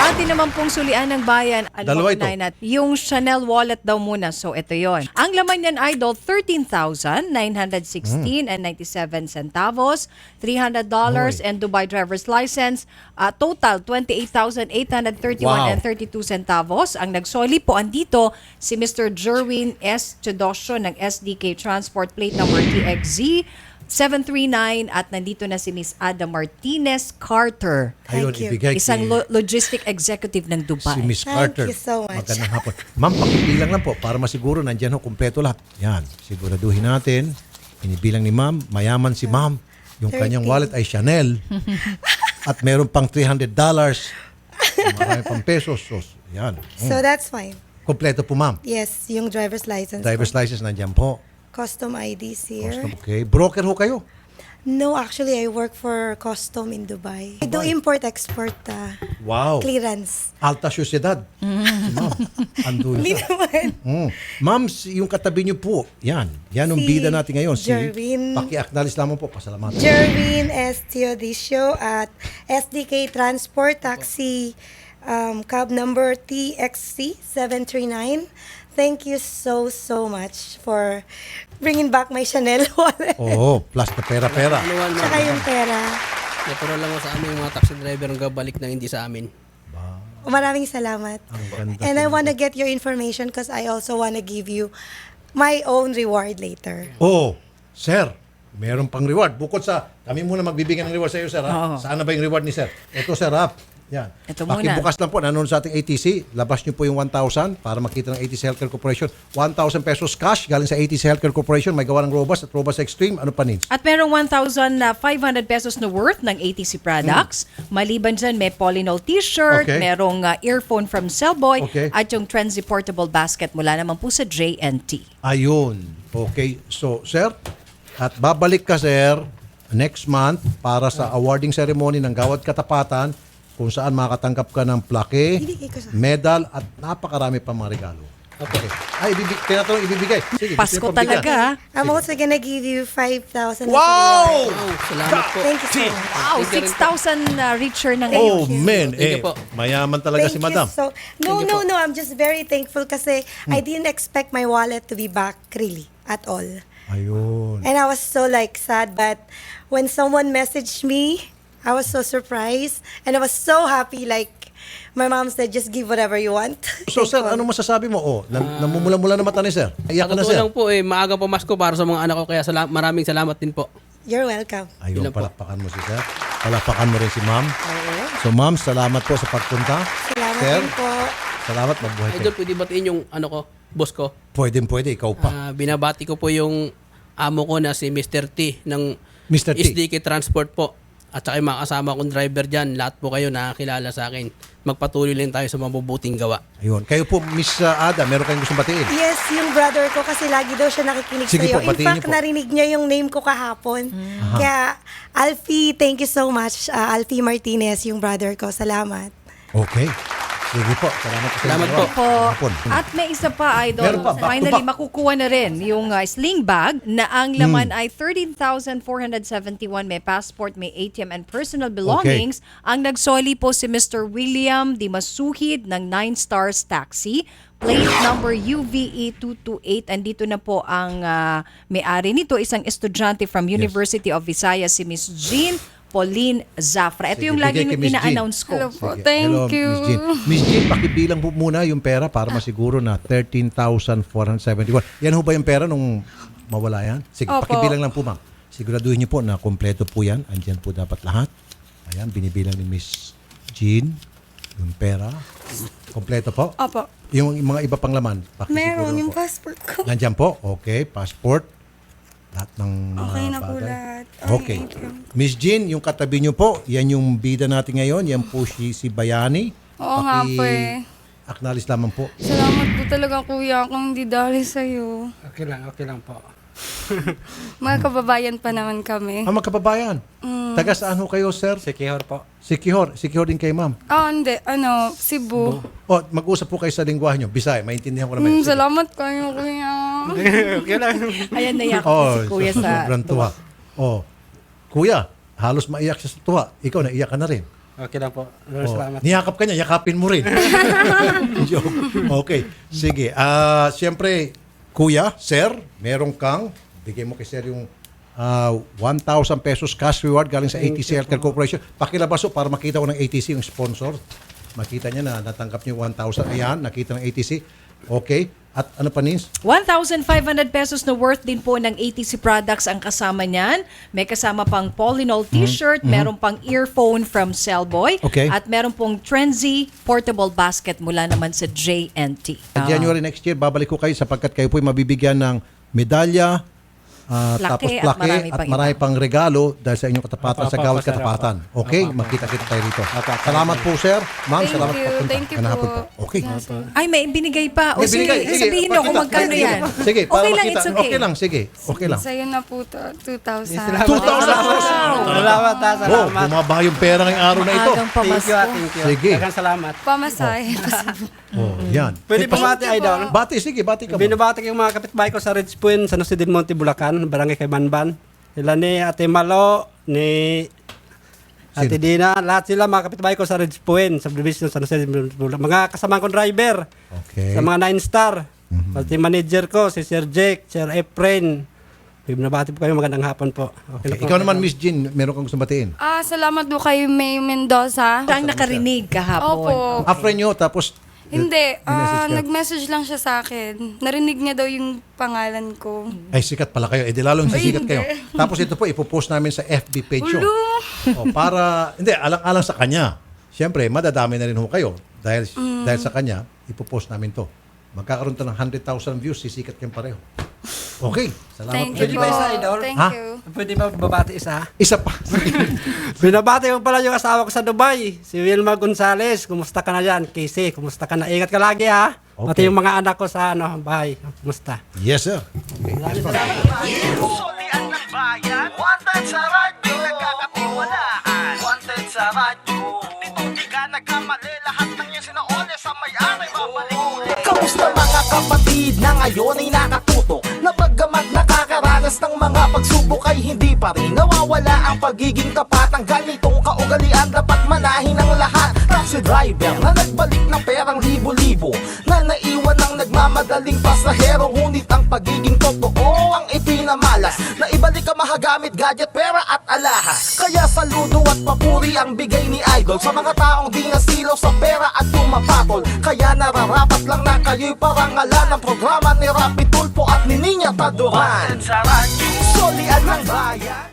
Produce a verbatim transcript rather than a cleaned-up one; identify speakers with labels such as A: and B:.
A: atin naman pong sulian ng bayan,
B: Dalawa ito.
A: Nat, yung Chanel wallet daw muna. So, ito yon. Ang laman yan, Idol, thirteen thousand nine hundred sixteen and ninety-seven centavos, three hundred dollars
B: Oy.
A: and Dubai driver's license. Uh, total, twenty-eight thousand eight hundred thirty-one
B: Wow.
A: and thirty-two centavos. Ang nagsoli po andito, si Mister Jerwin S. Chodosyo ng S D K Transport Plate number T X Z seven three nine at nandito na si Miss Ada Martinez Carter.
B: Ayun,
C: Thank you.
B: ibigay
A: Isang
B: kay
A: lo- logistic executive ng Dubai.
B: si Miss
C: Thank
B: Carter.
C: you so much.
B: Magandang hapon. Ma'am, pakibilang lang po para masiguro nandyan ho kumpleto lahat. Yan, siguraduhin natin. Inibilang ni ma'am, mayaman si ma'am. Yung kanyang
C: thirty.
B: wallet ay Chanel. At meron pang three hundred dollars. Marami pang pesos. So, yan.
C: So that's fine.
B: Kompleto po ma'am.
C: Yes, yung driver's license.
B: Driver's
C: ko.
B: license nandyan po.
C: Custom I Ds here.
B: Custom, okay. Broker ho kayo.
C: No, actually, I work for custom in Dubai. I do import-export uh,
B: Wow.
C: clearance.
B: Alta Sociedad. Si ma'am. Ando
C: Hindi
B: siya.
C: naman.
B: Mm. Ma'am, si- yung katabi niyo po, yan. Yan ang
C: Si
B: bida natin ngayon. Si,
C: Jerwin.
B: paki-acknowledge lamang po. Pasalamatan.
C: Jerwin S. Teodisio at S D K Transport Taxi um, cab number T X C seven three nine. Thank you so, so much for bringing back my Chanel wallet.
B: Oo, plus na pera-pera.
D: Anuan mo.
C: Tsaka yung pera.
D: Natural lang sa amin mga taxi driver ang gabalik na hindi sa amin.
C: Maraming salamat.
B: Ang ganda
C: And I
B: talaga.
C: wanna get your information because I also wanna give you my own reward later.
B: Oo, sir, meron pang reward. Bukod sa, kami muna magbibigyan ng reward sa iyo, sir.
A: Oo.
B: Ha? Saan na ba yung reward ni sir? Ito, sir, ha? Yan.
A: Ito muna.
B: Pakibukas lang po, nanonood sa ating A T C. Labas niyo po yung one thousand para makita ng A T C Healthcare Corporation. one thousand pesos cash galing sa A T C Healthcare Corporation. May gawa ng Robust at Robust Extreme. Ano pa, Nins?
A: At merong one thousand five hundred pesos na worth ng A T C products. Maliban dyan, may Polynol t-shirt,
B: Okay.
A: merong uh, earphone from Cellboy,
B: Okay.
A: at yung Trenzy Portable Basket mula naman po sa J and T.
B: Ayun. Okay. So, sir, at babalik ka, sir, next month para sa awarding ceremony ng Gawad Katapatan kung saan makakatanggap ka ng plaque,
C: Ibigay ko sa-
B: medal, at napakarami pa mga regalo. Okay. Ay, ibibig, tinatanong ibibigay. Sige,
A: Pasko
B: gusto niyo pambigyan?
A: talaga.
C: I'm also gonna give you five thousand.
B: Wow!
D: Oh, salamat po.
C: Thank you so much.
A: Wow,
D: Thank you rin
A: six thousand uh, richer ng
B: Oh,
C: you.
B: man. Eh,
D: Thank you po.
B: mayaman talaga si
C: Thank
B: madam.
C: you so. No,
D: Thank you
C: no,
D: po.
C: no. I'm just very thankful kasi I didn't expect my wallet to be back really at all.
B: Ayun.
C: And I was so like sad, but when someone messaged me, I was so surprised and I was so happy. Like my mom said, just give whatever you want.
B: So, sir,
C: Thankful.
B: ano masasabi mo? Oh, nam- namumula-mula na mata ni sir. Iyak ka na,
D: Sa
B: sir.
D: lang po eh, maaga pamasko para sa mga anak ko kaya sala- maraming salamat din po.
C: You're welcome.
B: Ayun,
D: Yun lang po.
B: palakpakan mo si sir. Palakpakan mo rin si ma'am. So, ma'am, salamat po sa pagpunta.
C: Salamat
B: Sir,
C: din po.
B: salamat. Mabuhay
D: Idol,
B: kayo.
D: pwede batiin yung ano ko, boss ko.
B: Pwede, pwede. Ikaw pa.
D: Ah, binabati ko po yung amo ko na si Mister T ng
B: Mister T.
D: S D K Transport po. At saka yung mga kasama kong driver dyan, lahat po kayo nakakilala sa akin. Magpatuloy lang tayo sa mabubuting gawa.
B: Ayun. Kayo po, Miss uh, Ada, meron kayong gustong batiin?
C: Yes, yung brother ko kasi lagi daw siya nakikinig
B: Sige po,
C: sa'yo. In
B: batiin
C: fact,
B: niyo po.
C: narinig niya yung name ko kahapon. Kaya, Alfie, thank you so much. Uh, Alfie Martinez, yung brother ko. Salamat.
B: Okay. Sige po. Salamat po. sa
D: Salamat
B: inyo.
D: po.
A: Po.
B: Hapon.
A: At may isa pa, Idol.
B: Meron pa, back to
A: Finally,
B: back.
A: makukuha na rin yung uh, sling bag na ang laman ay thirteen thousand four hundred seventy-one. May passport, may A T M and personal belongings. Ang nagsoli po si Mister William Dimasuhid ng Nine Stars Taxi. Plate number U V E two two eight. Andito na po ang uh, may-ari nito, isang estudyante from University of Visayas, si Miss Jean Pauline Zafra. Ito
B: Sige,
A: yung lagi
B: bigay kay Miss Jean.
A: ina-announce ko.
E: Hello po.
B: Sige.
E: Thank
B: Hello,
E: you.
B: Miss Jean. Miss Jean, pakibilang po muna yung pera para masiguro na thirteen thousand four hundred seventy-one. Yan ho ba yung pera nung mawala yan? Sige,
E: Opo.
B: pakibilang lang po, ma'am. Siguraduhin niyo po na kompleto po yan. Andyan po dapat lahat. Ayan, binibilang ni Miss Jean yung pera. Kompleto po.
E: Opo.
B: Yung mga iba pang laman, pakisiguro
E: Meron yung
B: po.
E: passport ko.
B: Nandyan po. Okay, passport. Lahat ng mga
E: Okay na po
B: bagay.
E: lahat.
B: Okay.
E: Thank you.
B: Miss Jean, yung katabi niyo po, yan yung bida natin ngayon. Yan po si, si Bayani.
E: Oo nga po eh.
B: Acknowledge lamang po.
E: Salamat po talaga kuya kung hindi dahil sa'yo.
D: Okay lang, okay lang po.
E: Mga kababayan pa naman kami.
B: Ah, magkababayan. Taga saan ho kayo, sir?
D: Si Kihor po.
B: Sikihor. Sikihor din kay ma'am.
E: Ah, hindi. Ano, Cebu.
B: O, mag-usap po kayo sa lingwahe nyo. Bisaya, maintindihan ko naman.
E: Mm,
B: Sige.
E: salamat kayo kuya.
D: Okay lang.
A: Ayan, naiyak
B: Oh,
A: si Kuya sa
B: sobrang tuwa. Oh, kuya, halos maiyak siya sa tuwa. Ikaw, naiyak ka na rin.
D: Okay lang po.
B: Oh,
D: Salamat.
B: niyakap ka niya, yakapin mo rin. Joke. Okay. Sige. Ah, siyempre, kuya, sir, meron kang, bigay mo kay sir yung ah, one thousand pesos cash reward galing sa A T C Healthcare Corporation. Pakilabas po para makita ko ng A T C yung sponsor. Makita niya na natanggap niyo one thousand. Ayan, nakita ng A T C. Okay. At ano pa, Nins?
A: one thousand five hundred pesos na worth din po ng A T C products ang kasama niyan. May kasama pang Polynol t-shirt, meron pang earphone from Cellboy,
B: Okay.
A: at meron pong Trenzy portable basket mula naman sa J and T.
B: Sa January next year, babalik ko kayo sapagkat kayo po'y mabibigyan ng medalya, ah,
A: Plaque
B: tapos
A: at
B: plaque
A: marami
B: at
A: pang
B: marami
A: iba.
B: pang regalo dahil sa inyong katapatan
D: Apa,
B: sa
D: apa,
B: Gawad
D: apa, sir,
B: Katapatan.
D: apa.
B: Okay?
D: Apa, apa.
B: Makita-kita tayo rito.
D: Apa, apa.
B: Salamat po, sir. Ma'am,
E: Thank
B: salamat
E: you.
B: po.
E: Thank you
B: Ganahapon
E: po.
B: Okay.
A: Ay, may binigay pa. O
B: May
A: sige,
B: binigay. Sige,
A: sabihin nyo kung
B: pakita.
A: magkano
B: Sige,
A: yan.
B: Sige, para
A: okay lang,
B: makita.
A: it's okay.
B: Okay lang, sige. Okay lang.
E: Sa'yo na po to, two thousand.
B: two thousand pesos!
D: Salamat ha,
B: Oh,
D: salamat.
B: bumaba yung pera ngayong araw na ito.
A: Maagang
D: Thank you,
A: pamasko.
D: ah, thank you.
B: Sige.
D: Daghang salamat.
E: Pamasahe.
B: Oh, yan.
D: Pwede
B: Eh,
D: pa mati, idol.
B: Bati, sige, bati ka mo.
D: Binabati ko yung mga kapitbahay ko sa Ridge Point, sa Jose del Monte, Bulacan, barangay kay Banban. Sila ni Ate Malo, ni Ate
B: Sino?
D: Dina, lahat sila mga kapitbahay ko sa Ridge Point, subdivision sa Jose del Monte, Bulacan. Mga kasama kong driver,
B: Okay.
D: sa mga nine star. Pati manager ko, si Sir Jake, Sir Efren. Binabati po kayo, magandang hapon po. Okay,
B: Okay.
D: na po.
B: Ikaw naman, Miss Jean, meron kang gusto batiin.
E: Ah, salamat po kay May Mendoza.
A: Siya ang nakarinig kahapon.
E: Opo.
B: A friend nyo, tapos
E: Hindi,
B: message
E: ah,
B: ka?
E: nag-message lang siya sa akin. Narinig niya daw yung pangalan ko.
B: ay sikat pala kayo. Eh di lalong
E: Ay,
B: sisikat
E: hindi.
B: kayo. Tapos ito po, ipopost namin sa F B page yun.
E: Ulo!
B: O, para, hindi, alang-alang sa kanya. Siyempre, madadami na rin ho kayo. Dahil,
E: Mm.
B: dahil sa kanya, ipopost namin to. Magkakaroon to ng one hundred thousand views, sisikat kayong pareho. Okay. Salamat
E: Thank
B: po.
E: you po.
D: ba isa, idol?
E: Thank
B: Ha?
E: you.
D: Pwede ba babati isa?
B: Isa pa.
D: Binabati ko pala yung asawa ko sa Dubai, si Wilma Gonzales. Kumusta ka na yan? Casey, kumusta ka na? Ingat ka lagi ha.
B: Okay.
D: Pati yung mga anak ko sa ano, bahay. Kumusta?
B: Yes, sir. Okay.
F: Solian ng bayan, wanted sa radyo, nagkakatiwalaan, wanted sa radyo. Dito di ka nagkamali, lahat ng yan sinaone sa may-ari, babalik ulit. Kamusta mga kapatid na ngayon ay nakatutok, na bagamat nakakaranas ng mga pagsubok ay hindi pa rin nawawala ang pagiging tapat. Ang ganitong kaugalian dapat manahin ng lahat. Taxi driver na nagbalik ng perang libo-libo, na naiwan ng nagmamadaling pasahero, ngunit ang pagiging totoo ang ipinamalas, na ibalik ang mahagamit gadget, pera at alahas. Kaya saludo at papuri ang bigay ni Idol sa mga taong di nasilaw sa pera at tumapatol. Kaya nararapat lang na kayo'y parangalan ng programa ni Rapi Tulfo at ni Ninya Taduran. Solian ng bayan.